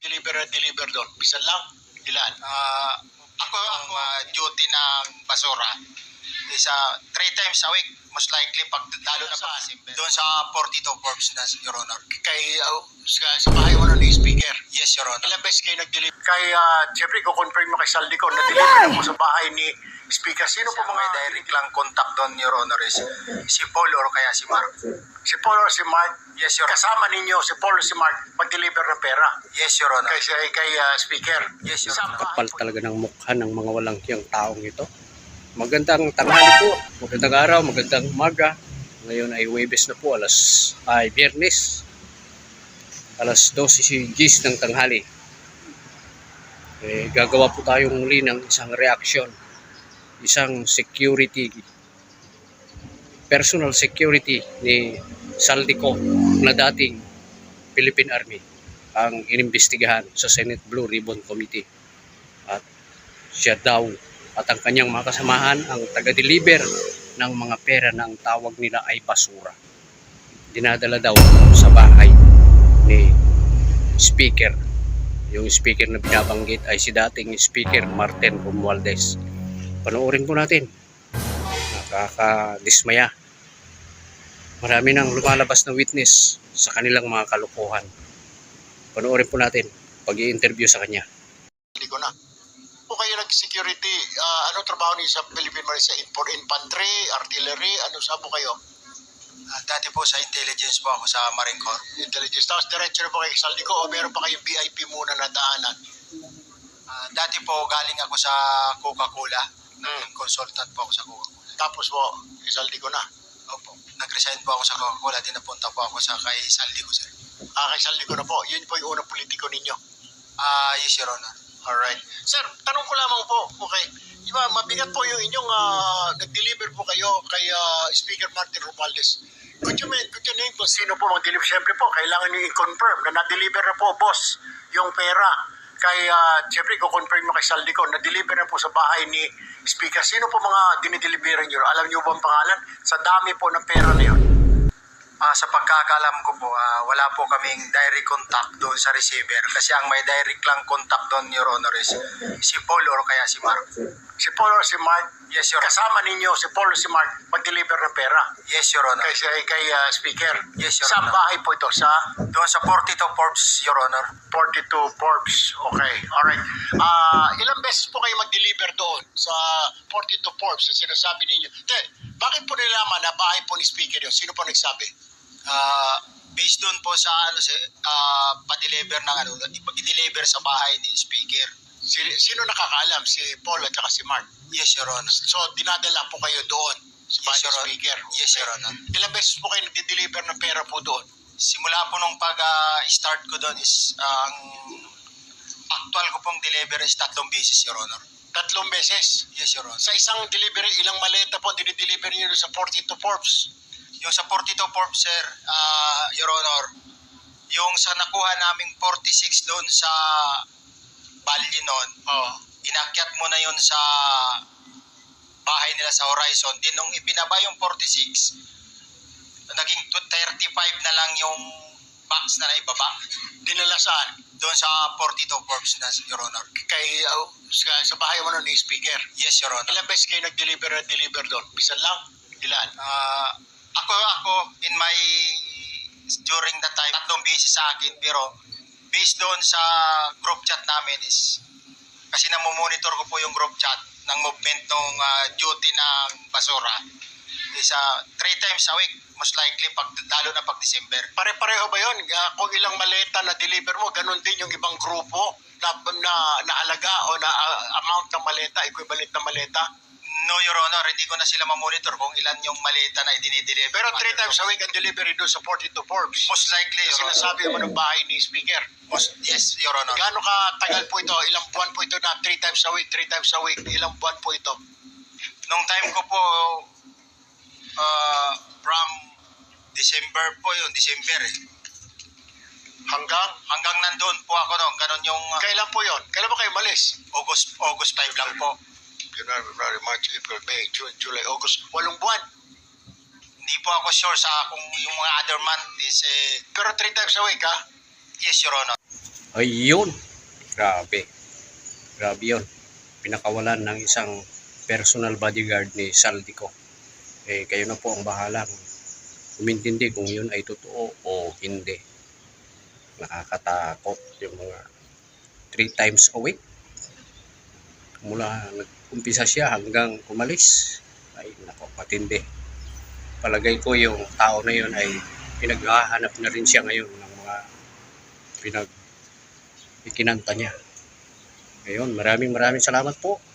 nag-deliver doon? Bisan lang? Ilan? Ako duty ng basura is 3 times a week, most likely pag lalo na pag December. Doon sa 42 Forbes na, Your Honor. Kay, sa bahay mo ni speaker? Yes, Your Honor. Ilang beses kayo nag-deliver? Kay, siyempre, kukonfirm mo kay Saldi ko, na-deliver na po sa bahay ni speaker. Sino po mga direct lang contact doon, Your Honor, is si Paul or kaya si Mark. Si Paul or si Mark? Yes, Your Honor. Kasama ninyo si Paul or si Mark mag-deliver ng pera? Yes, Your Honor. Kay speaker? Yes, Your Honor. Kapal talaga ng mukha ng mga walang hiyang taong ito. Magandang tanghali po, magandang araw, magandang umaga. Ngayon ay Huwebes na po, Biyernes, alas 12 ng tanghali. Gagawa po tayong muli ng isang reaction, isang security, personal security ni Saldico na dating Philippine Army ang inimbestigahan sa Senate Blue Ribbon Committee. At siya daw at ang kanyang mga kasamahan ang taga-deliver ng mga pera na ang tawag nila ay basura. Dinadala daw sa bahay ni speaker. Yung speaker na binabanggit ay si dating speaker Martin Romualdez. Panoorin po natin. Nakakadismaya. Marami nang lumalabas na witness sa kanilang mga kalokohan. Panoorin po natin pag-i-interview sa kanya. Hindi ko na. Po kayo nag-security, ano trabaho niyo sa Philippine Marine? Sa infantry, artillery, ano sa po kayo? Dati po sa intelligence po ako sa Marine Corps. Intelligence. Tapos diretso na po kayo sa Saldico o meron pa kayong VIP muna na daanan? Dati po galing ako sa Coca-Cola. Naging consultant po ako sa Coca-Cola. Tapos po, Saldico na? Opo. Nag-resign po ako sa Coca-Cola. Di napunta po ako sa kay Saldico, sir. Kay Saldico na po. Yun po yung unang politiko ninyo? Yes, Your Honor. Alright. Sir, tanong ko lamang po, okay, diba, mabigat po yung inyong nag-deliver po kayo kay Speaker Martin Romualdez. Could you name po sino po mag-deliver? Siyempre po, kailangan nyo i-confirm na na-deliver na po, boss, yung pera. Kay, siyempre, i-confirm mo kay Saldi ko, na-deliver na po sa bahay ni Speaker. Sino po mga dinideliveran nyo? Alam nyo ba ang pangalan? Sa dami po ng pera na yun. Sa pagkakalam ko po, wala po kaming direct contact doon sa receiver kasi ang may direct lang contact doon, Your Honor, is si Paul or kaya si Mark. Si Paul or si Mark? Yes, Your Honor. Kasama ninyo si Paul or si Mark mag-deliver ng pera? Yes, Your Honor. Kay Speaker? Yes, Your Sa Honor. bahay po ito? Doon sa 42 Forbes, Your Honor. 42 Forbes. Okay. Alright. Ilang beses po kayo mag-deliver doon sa 42 Forbes na sinasabi ninyo? Bakit po nilaman na bahay po ni Speaker yun? Sino po nagsabi? Based doon po sa pa-deliver ng i-deliver sa bahay ni Speaker. Sino nakakaalam? Si Paul at saka si Mark? Yes, Your Honor. So, dinadala po kayo doon sa bahay ni Speaker? Yes, Your Honor. Ilang beses po kayo nag-deliver ng pera po doon? Simula po nung pag-start ko doon is ang actual ko pong deliver is 3 beses, Your Honor. 3 beses? Yes, Your Honor. Sa isang delivery, ilang maleta po dinideliver niyo sa 42 Forbes? Yung sa 42 Forbes, sir, Your Honor, yung sa nakuha naming 46 doon sa Bali noon, inakyat mo na yun sa bahay nila sa Horizon. Din nung ipinaba yung 46, naging 35 na lang yung box na naibaba. Dinala saan? Doon sa 42 Forbes na, Your Honor. Kay, sa bahay mo ni Speaker? Yes, Your Honor. Ilang beses kayo nag-deliver doon? Bisan lang? Ilan? Ako during that time 3 beses sa akin, pero based doon sa group chat namin is kasi namomonitor ko po yung group chat ng movement ng duty ng basura is 3 times a week, most likely lalo na pag December. Pare-pareho ba yun? Kung ilang maleta na deliver mo, ganun din yung ibang grupo na halaga o na amount ng maleta, equivalent na maleta? No, Your Honor, hindi ko na sila mamonitor kung ilan yung maleta na idinideliver. Pero 3 times a week ang delivery doon sa 42 Forbes. Most likely, Your Honor. Sinasabi mo ng bahay ni Speaker. Yes, Your Honor. Gaano katagal po ito? Ilang buwan po ito na 3 times a week, 3 times a week? Ilang buwan po ito? Nung time ko po, from December po yun, December eh. Hanggang nandun po ako noon, ganun yung... Kailan po yun? Kailan ba kayo malis? August 5 lang po. January, February, March, April, May, June, July, August. 8 buwan. Hindi po ako sure sa kung yung mga other month is Pero 3 times a week, ha? Yes, Your Honor. Ayun. Grabe. Grabe yun. Pinakawalan ng isang personal bodyguard ni Saldico. Kayo na po ang bahalang umintindi kung yun ay totoo o hindi. Nakakatakot yung mga 3 times a week. Mula nag-umpisa siya hanggang umalis. Ay, nako, matindi. Palagay ko yung tao na yun ay pinaghahanap na rin siya ngayon ng mga ikinanta niya. Ngayon, maraming salamat po.